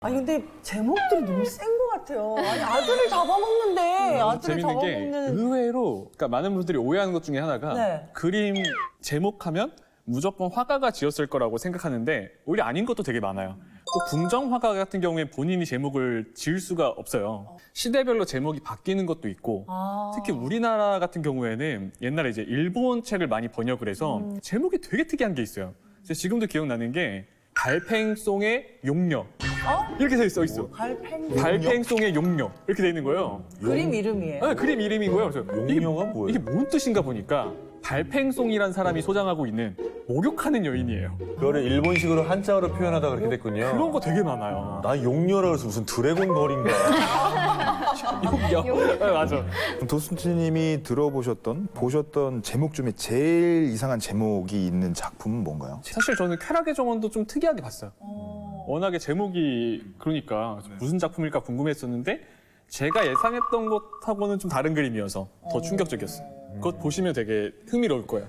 아니 근데 제목들이 너무 센 것 같아요. 아니 아들을 잡아먹는데 아들을 재밌는 게 잡아먹는. 의외로 그러니까 많은 분들이 오해하는 것 중에 하나가 네. 그림 제목하면 무조건 화가가 지었을 거라고 생각하는데 오히려 아닌 것도 되게 많아요. 또 궁정 화가 같은 경우에 본인이 제목을 지을 수가 없어요. 시대별로 제목이 바뀌는 것도 있고 특히 우리나라 같은 경우에는 옛날에 이제 일본 책을 많이 번역을 해서 제목이 되게 특이한 게 있어요. 제가 지금도 기억나는 게 달팽송의 용녀 이렇게 써 있어. 달팽송의 용녀 이렇게 돼 있는 거예요. 그림 이름이에요. 네, 그림 이름인 거예요. 그래서 용녀가 뭐예요? 이게 뭔 뜻인가 보니까 달팽송이라는 사람이 소장하고 있는 목욕하는 여인이에요. 그거를 일본식으로 한자어로 표현하다 그렇게 됐군요. 그런 거 되게 많아요. 나 용녀라 그래서 무슨 드래곤 걸인가. 용녀. 네, 맞아. 도순치님이 보셨던 제목 중에 제일 이상한 제목이 있는 작품은 뭔가요? 사실 저는 쾌락의 정원도 좀 특이하게 봤어요. 워낙에 제목이 그러니까 무슨 작품일까 궁금했었는데 제가 예상했던 것하고는 좀 다른 그림이어서 더 충격적이었어요. 그것 보시면 되게 흥미로울 거예요.